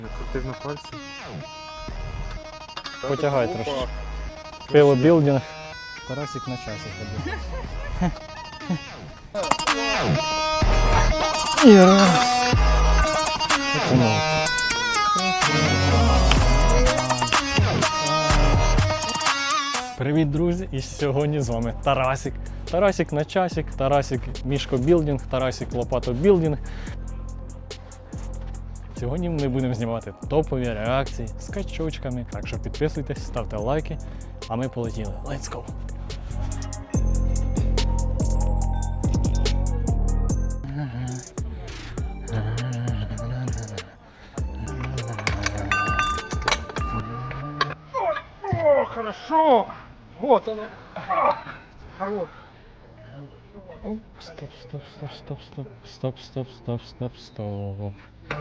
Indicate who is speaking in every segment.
Speaker 1: Крутив на пальці.
Speaker 2: Потягай трошки. Пилобілдинг. Тарасик на часі ходив. І раз. Потягнув. Привіт, друзі! І сьогодні з вами Тарасик. Тарасик на часик, Тарасик Мішко Білдинг, Тарасик Лопато Білдинг. Сьогодні ми будемо знімати топові реакції з качочками. Так що підписуйтесь, ставте лайки, а ми полетіли. Let's go!
Speaker 1: О, хорошо! Вот оно! Хорош!
Speaker 2: Стоп, стоп, стоп, стоп, стоп, стоп, стоп, стоп, стоп, стоп.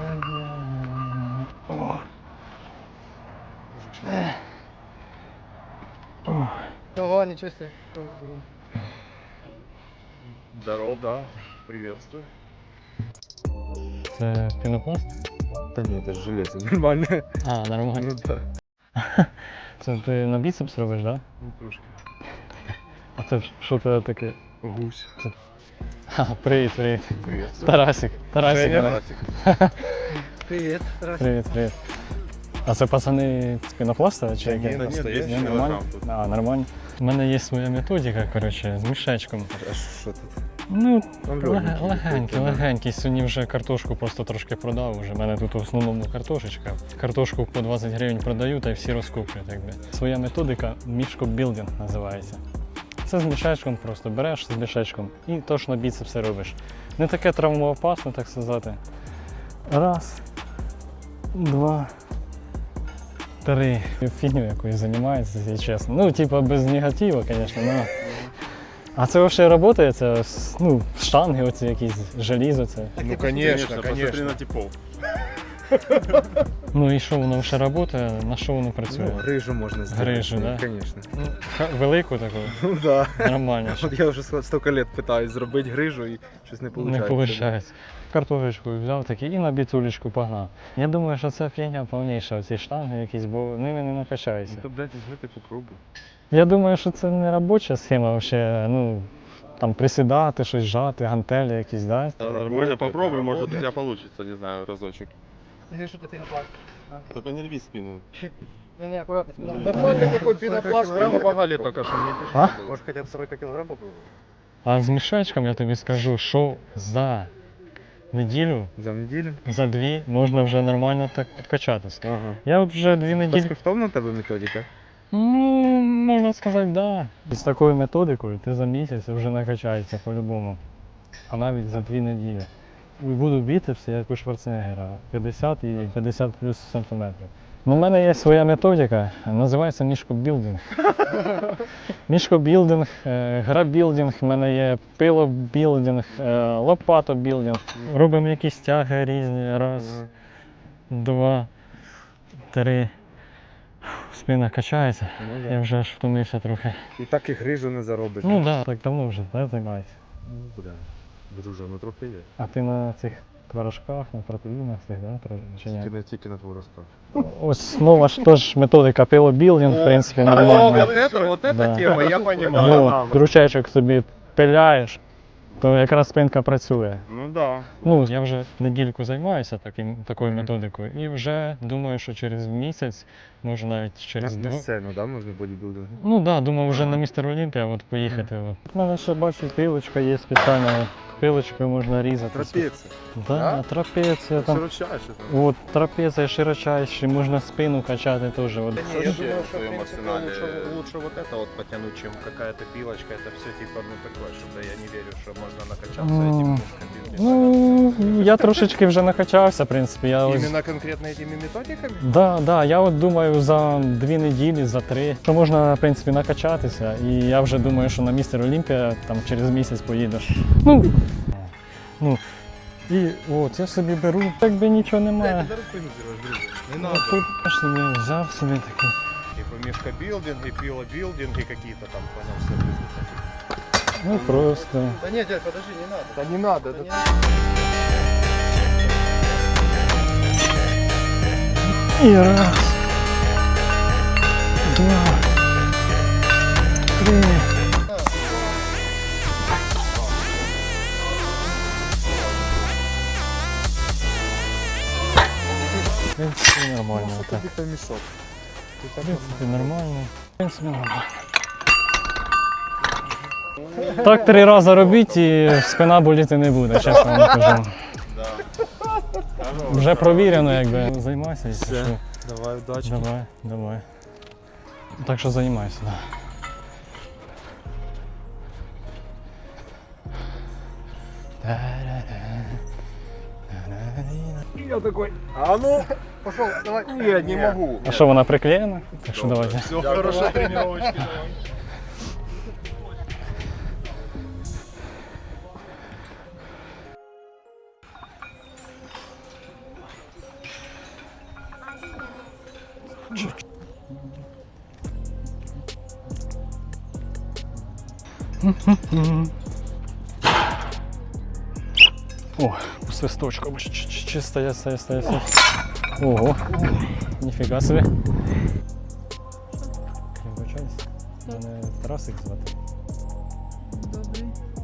Speaker 1: Ого, ничего себе!
Speaker 3: Здорово, да. Приветствую.
Speaker 2: Це пінопласт?
Speaker 1: Да нет, это же железо, нормально.
Speaker 2: А, нормально.
Speaker 1: Ну да.
Speaker 2: Це ти на біцепс робиш, так? Да?
Speaker 3: Ну, трошки.
Speaker 2: А це що це таке?
Speaker 3: Гусь.
Speaker 2: Привіт, привіт.
Speaker 3: Приветствую.
Speaker 2: Тарасик. Тарасик.
Speaker 3: Тарасик.
Speaker 1: Привет,
Speaker 2: Привіт, привіт. А це пацани з пінопласта чи які?
Speaker 3: Нет, нет,
Speaker 1: настоящий
Speaker 3: есть
Speaker 2: Нормально?
Speaker 3: килограмм тут.
Speaker 2: А, нормально. У мене є своя методика, коротше, з мішечком.
Speaker 1: А что тут?
Speaker 2: Ну,
Speaker 1: Там легенький
Speaker 2: легенький,
Speaker 1: такий, да.
Speaker 2: легенький. Сьогодні вже картошку просто трошки продав. Уже в мене тут в основному картошечка. Картошку по 20 гривень продаю, та й всі розкуплять. Якби. Своя методика Мішко Білдинг називається. Це з мішечком просто береш з мішечком і точно біцепси робиш. Не таке травмоопасне, так сказати. Раз, два, три. Фігню якоюсь займається, якщо чесно. Ну, типа без негативу, звісно, но... А це взагалі працює? Це, ну, штанги оці якісь, желізо це.
Speaker 3: Ну, конечно, посмотри на типов.
Speaker 2: Ну і що, воно вже працює? На що воно працює?
Speaker 1: Ну, грыжу можно сделать.
Speaker 2: Грижу, да?
Speaker 1: Конечно.
Speaker 2: Ну, велику таку,
Speaker 1: Ну да.
Speaker 2: нормально.
Speaker 1: Вот я уже столько лет пытаюсь зробити грижу і щось не
Speaker 2: Не
Speaker 1: получается.
Speaker 2: виходить. Картошечку взяв такий і на біцулечку погнав. Я думаю, що це фігня повніша, оці штанги якісь, бо ними не накачаєшся.
Speaker 3: Ну, то, блядь, возьми ты попробуй.
Speaker 2: Я думаю, що це не робоча схема взагалі, ну, там присідати, щось жати, гантелі якісь, да?
Speaker 3: Нормально, попробуй, может у тебя получится, не знаю, разочек.
Speaker 1: Что ты пенопласт?
Speaker 3: Только не рви спину.
Speaker 1: Не, аккуратно. Да какой пенопласт? Помогали только что мне.
Speaker 2: А?
Speaker 1: Может хотя бы 40 килограмм попробовать?
Speaker 2: А з мішечком я тобі скажу, що за неділю,
Speaker 1: За неделю?
Speaker 2: за дві можна вже нормально так качатися.
Speaker 1: Ага.
Speaker 2: Я от вже 2 неділі.
Speaker 1: Безкоштовна в тебе методика?
Speaker 2: Ну, можна сказати, да. І з такою методикою ти за місяць вже накачаєшся по-любому. А навіть за 2 неділі. І буду біцепси, як у Шварценеггера, 50 і 50 плюс сантиметрів. Ну, у мене є своя методика, називається Мішко Білдинг. Мішко Білдинг, грабілдинг, в мене є пилобілдинг, лопато білдинг. Робимо якісь тяги різні. Раз, два, три. Спина качається,
Speaker 1: Ну,
Speaker 2: я вже аж втомився трохи.
Speaker 1: І так і грижу не заробиш.
Speaker 2: Ну так, да, так давно вже займаюся.
Speaker 1: Ну, бля. Друже, ну трохи є.
Speaker 2: А ти на цих творожках, на протеїнах цих, да? Чи ні?
Speaker 1: Тільки на творожках.
Speaker 2: Ось нова ж теж методика пилобілдинг, в принципі, нормально.
Speaker 3: вот
Speaker 2: Да.
Speaker 3: тема, я понимаю.
Speaker 2: Ну, крючечок собі пиляєш, то якраз спинка працює.
Speaker 3: Ну да.
Speaker 2: Ну, я вже недільку займаюся такою методикою і вже думаю, що через місяць, може навіть через
Speaker 1: На
Speaker 2: 2.
Speaker 1: сцену, да, можна бодібілдинг?
Speaker 2: Ну так, да, думав вже на містер Олімпія от поїхати. У мене ще бачу, пилочка є спеціальна. Пилочкою можна різати.
Speaker 1: Трапеція.
Speaker 2: Да, трапеція там.
Speaker 1: Широчайше там.
Speaker 2: От трапеція широчайші, можна спину качати теж. От.
Speaker 3: Не, я думаю, что в принципе
Speaker 4: лучше вот это вот потянуть, чем какая-то пилочка. Это все типа, ну такое, что-то я не верю, что можно накачаться этим мышками.
Speaker 2: Ну, я трошечки вже накачався, в принципі. Я ось...
Speaker 4: Именно конкретно этими методиками?
Speaker 2: Да, я от думаю за 2 неділі, за 3, що можна, в принципі, накачатися. І я вже думаю, що на містер Олімпія там через місяць поїду. Ну, і от я собі беру, якби нічого немає.
Speaker 4: Зараз позируешь, друг. Не
Speaker 2: От
Speaker 4: надо.
Speaker 2: тут я собі взяв собі такий.
Speaker 4: Типа мешкобилдинг и пилобилдинг и какие-то там, понял, все такие.
Speaker 2: Ну просто.
Speaker 1: Да нет, дядь, подожди, не надо.
Speaker 4: Да не надо,
Speaker 1: Да
Speaker 4: это
Speaker 1: не надо.
Speaker 2: І раз. Два. Три. В принципі, нормально. Так.
Speaker 1: Это мешок.
Speaker 2: В принципі, нормально. В принципі, нормально. Так 3 рази робіть і спина боліти не буде, чесно вам кажу. Вже провірено, якби. Займайся, якщо що.
Speaker 1: Давай, удачи.
Speaker 2: Давай. Так що займайся, да.
Speaker 1: Я такой, а ну, пошел, давай.
Speaker 3: Я не могу.
Speaker 2: А що, вона приклеєна? Так що давайте.
Speaker 3: Все, хорошая тренировочка.
Speaker 2: О, свисточку, чисто, стоять. Ого, ніфіга собі. Вибачаюсь, мене Тарасик звати.
Speaker 5: Добрий.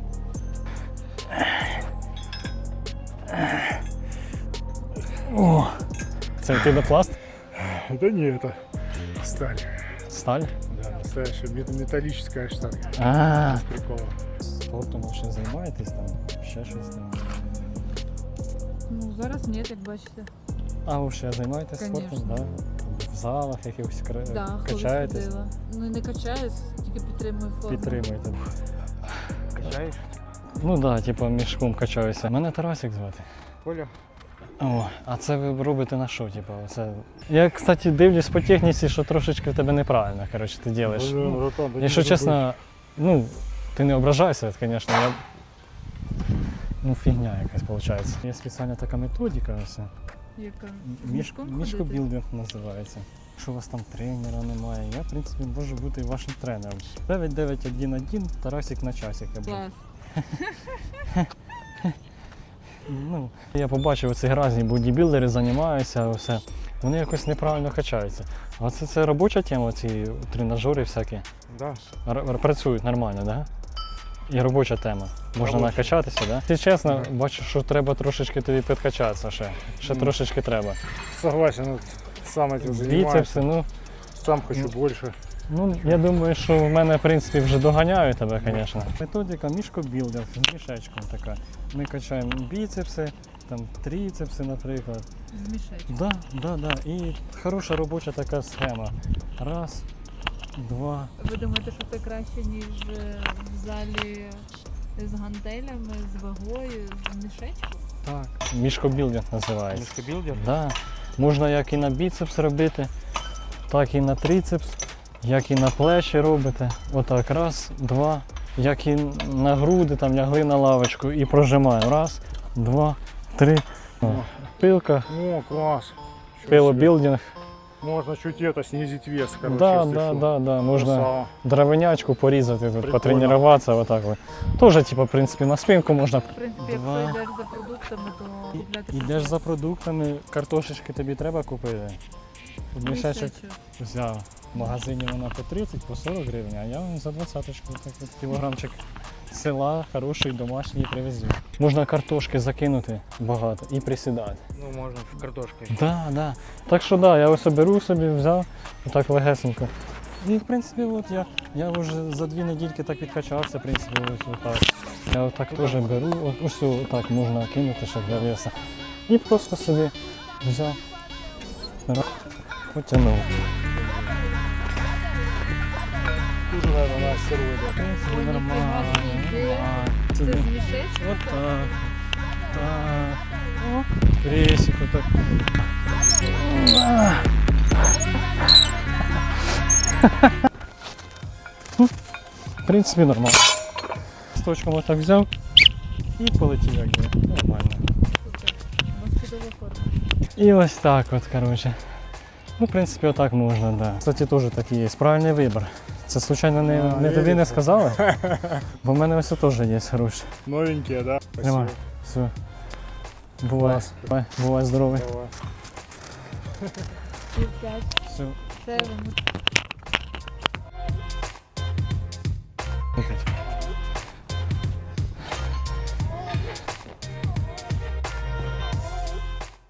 Speaker 2: О, це пінопласт?
Speaker 6: Да не, это сталь.
Speaker 2: Сталь?
Speaker 6: Да, настоящая металлическая штанга.
Speaker 2: А,
Speaker 6: Без прикола.
Speaker 2: спортом ще займаєтесь там? Ще щось там?
Speaker 5: Ну, зараз ні, як бачите.
Speaker 2: А ви ще займаєтесь спортом?
Speaker 5: Конечно.
Speaker 2: Да? В залах якихось
Speaker 5: Да, коли
Speaker 2: качаєтесь?
Speaker 5: ходила. Ну, не качаюсь, тільки підтримую форму.
Speaker 2: Підтримуєте?
Speaker 1: Качаешь?
Speaker 2: Ну так, да, типу мішком качаюся. Мене Тарасик звати.
Speaker 1: Коля.
Speaker 2: О, а це ви робите на що, типу? Це... Я, кстати, дивлюсь по техніці, що трошечки в тебе неправильно, коротше, ти робиш. Ну, якщо чесно, ну, ти не ображайся, звісно, я... Ну, фігня якась виходить. Є спеціальна така методика, ось.
Speaker 5: Яка? Мішком ходити?
Speaker 2: Мішкобілдинг називається. Якщо у вас там тренера немає, я, в принципі, можу бути вашим тренером. 9-9-1-1, Тарасик на часик.
Speaker 5: Клас.
Speaker 2: Ну, я побачив, оці різні бодібілдери займаються, все. Вони якось неправильно качаються. А це робоча тема, ці тренажери всякі.
Speaker 6: Да.
Speaker 2: Працюють нормально, так? Да? І робоча тема. Можна накачатися, так? Да? Ти чесно, бачу, що треба трошечки тобі підкачатися ще. Ще трошечки треба.
Speaker 6: Согласен, вот сам этим занимаюсь.
Speaker 2: Біцепси, ну.
Speaker 6: Сам хочу больше.
Speaker 2: Ну, я думаю, що в мене, в принципі, вже доганяю тебе, звісно. Методика мішкобілдинг з мішечком така. Ми качаємо біцепси, там трицепси, наприклад.
Speaker 5: З мішечком.
Speaker 2: Да. І хороша робоча така схема. Раз, два.
Speaker 5: Ви думаєте, що це краще, ніж в залі з гантелями, з вагою, з мішечком?
Speaker 2: Так. Мішкобілдинг називається.
Speaker 1: Мишкобилдер?
Speaker 2: Да. Можна як і на біцепс робити, так і на трицепс, як і на плечі робите. Отак, раз, два. Як і на груди, там лягли на лавочку і прожимаємо. Раз, два, три. О, пилка,
Speaker 6: О, класс. Чё
Speaker 2: пилобілдинг.
Speaker 6: себе. Можно чуть это снизить вес, короче.
Speaker 2: Да,
Speaker 6: если что.
Speaker 2: да. Можна
Speaker 6: Красава.
Speaker 2: дровинячку порізати, тут,
Speaker 6: Прикольно.
Speaker 2: потренуватися. Отак. Тоже, типу, в принципі, на спинку можна.
Speaker 5: В принципі,
Speaker 2: Два.
Speaker 5: якщо йдеш за продуктами, то купляти
Speaker 2: Ідеш за продуктами, картошечки тобі треба купити. Мішечок взяв. В магазині вона по 30, по 40 гривень, а я вам за 20-очку так от кілограмчик села хороший, домашній привезу. Можна картошки закинути багато і присідати.
Speaker 1: Ну, можно в картошке.
Speaker 2: Да. Так що да, я ось беру собі, взяв, отак легесенько. І в принципі от я вже за 2 недільки так відкачався, в принципі, ось отак. Я отак теж беру, ось отак можна кинути ще для веса. І просто собі взяв, потягнув.
Speaker 6: Тут, наверное, на астероиде.
Speaker 2: В принципі,
Speaker 5: Ой, ніфіга
Speaker 2: нормально.
Speaker 5: собі.
Speaker 2: нормально.
Speaker 5: Це
Speaker 2: Собі.
Speaker 5: з мішечком?
Speaker 2: Отак. Так. О, кресик отак. В принципі, нормально. З точком отак взяв і полетів якби. Нормально.
Speaker 5: Супер. У вас чудова форма.
Speaker 2: І ось так от, коротше. Ну, в принципі, отак можна, да. Кстати, теж такий є. Правильний вибір. Це, случайно, не тобі не сказали? Бо в мене ось теж є хороші.
Speaker 6: Новенькие, да?
Speaker 2: Тримай. Все. Бувай.
Speaker 6: Клас.
Speaker 2: Бувай здоровий.
Speaker 6: Давай.
Speaker 5: років 5.
Speaker 2: Все.
Speaker 5: Це
Speaker 2: Слухайте.